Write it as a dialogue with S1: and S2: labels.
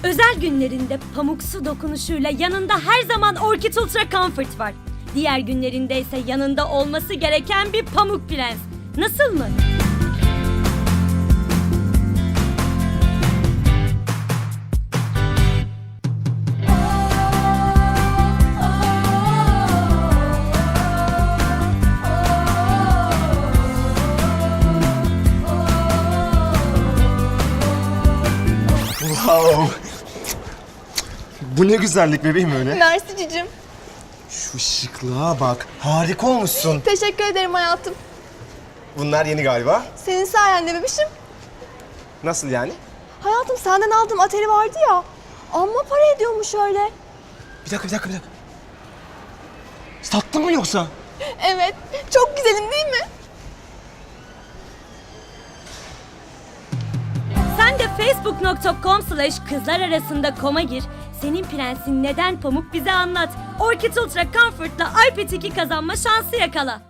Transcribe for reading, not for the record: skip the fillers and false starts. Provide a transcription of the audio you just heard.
S1: Özel günlerinde pamuksu dokunuşuyla yanında her zaman Orchid Ultra Comfort var. Diğer günlerinde ise yanında olması gereken bir pamuk prens. Nasıl mı?
S2: Wow. Bu ne güzellik bebeğim öyle.
S3: Mersi cicim.
S2: Şu şıklığa bak. Harika olmuşsun.
S3: Teşekkür ederim hayatım.
S2: Bunlar yeni galiba.
S3: Senin sayende bebişim.
S2: Nasıl yani?
S3: Hayatım senden aldığım atari vardı ya. Amma para ediyormuş öyle.
S2: Bir dakika. Sattın mı yoksa?
S3: Evet. Çok güzelim değil mi?
S1: Sen de facebook.com/kızlararasında.com'a gir. Senin prensin neden pamuk bize anlat. Orchid Ultra Comfort'la iPad 2 kazanma şansı yakala.